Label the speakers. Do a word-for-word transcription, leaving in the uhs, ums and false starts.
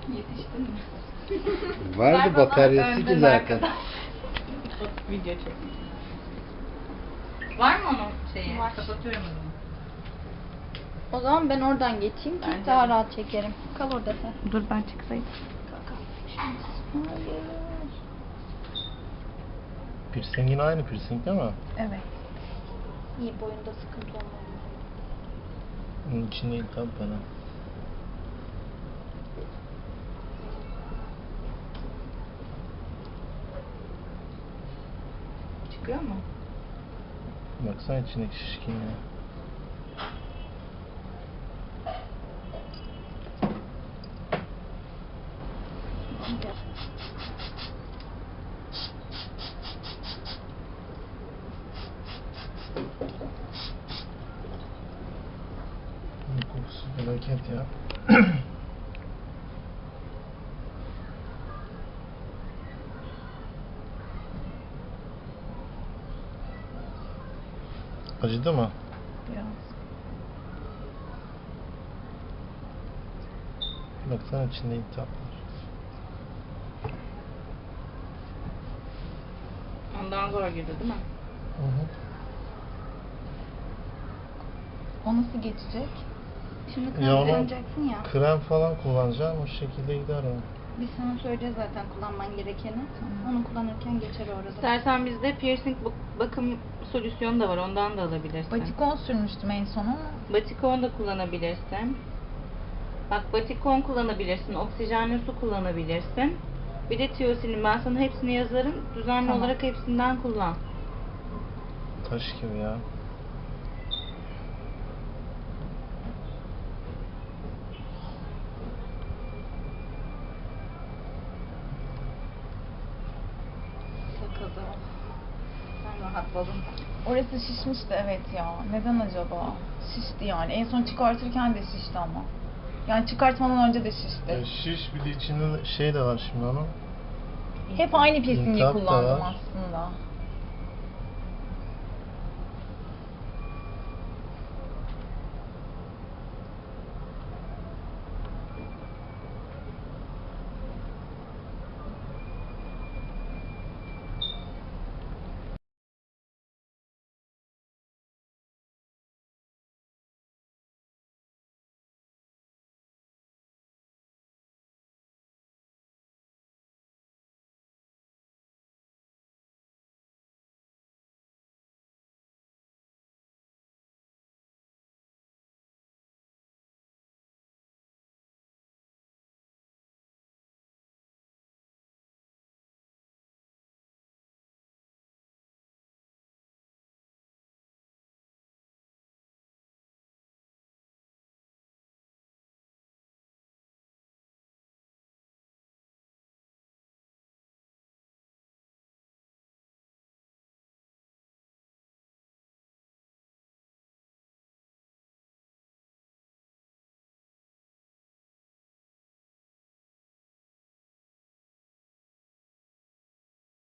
Speaker 1: Yetiştin mi?
Speaker 2: Vardı bataryası ki zaten.
Speaker 1: Video çek. Var mı onun şeyi?
Speaker 3: Var.
Speaker 1: Kapatıyorum o zaman.
Speaker 3: O zaman ben oradan geçeyim ki
Speaker 1: Bence
Speaker 3: daha
Speaker 1: de.
Speaker 3: rahat çekerim. Kal orada sen.
Speaker 1: Dur ben çıksaydım.
Speaker 3: Hayır.
Speaker 4: Piercingin aynı piercing değil mi?
Speaker 1: Evet.
Speaker 3: İyi, boyunda sıkıntı olmadı.
Speaker 4: Onun için değil tabi bana.
Speaker 1: Çıkıyor mu?
Speaker 4: Baksana içindeki şişkin ya. Bunun kokusu felaket ya. Acıdı mı?
Speaker 1: Biraz.
Speaker 4: Baksana içinde iltihap var.
Speaker 1: Ondan zor girdi değil mi?
Speaker 4: Hı hı.
Speaker 3: O nasıl geçecek? Şimdi
Speaker 4: Ya onu
Speaker 3: kullanacaksın ya.
Speaker 4: krem falan kullanacağım, o şekilde gider o.
Speaker 3: Biz sana söyleyeceğiz zaten kullanman gerekeni. Onu kullanırken geçer orada.
Speaker 1: İstersen bizde piercing bu- bakım solüsyonu da var. Ondan da alabilirsin.
Speaker 5: Batikon sürmüştüm en son ama
Speaker 1: Batikon da kullanabilirsin. Bak batikon kullanabilirsin. Oksijenli su kullanabilirsin. Bir de tiyosilin. Ben sana hepsini yazarım. Düzenli
Speaker 5: Tamam.
Speaker 1: olarak hepsinden kullan.
Speaker 4: Taş gibi ya.
Speaker 3: Takıldı. Ben rahatladım.
Speaker 5: orası şişmişti, evet ya. Neden acaba? Şişti yani. En son çıkartırken de şişti ama. Yani çıkartmadan önce de şişti.
Speaker 4: Ya şiş, bir de içinde şey de var şimdi onun.
Speaker 5: Hep aynı piercingi
Speaker 4: İltihap da
Speaker 5: kullandım
Speaker 4: var.
Speaker 5: aslında.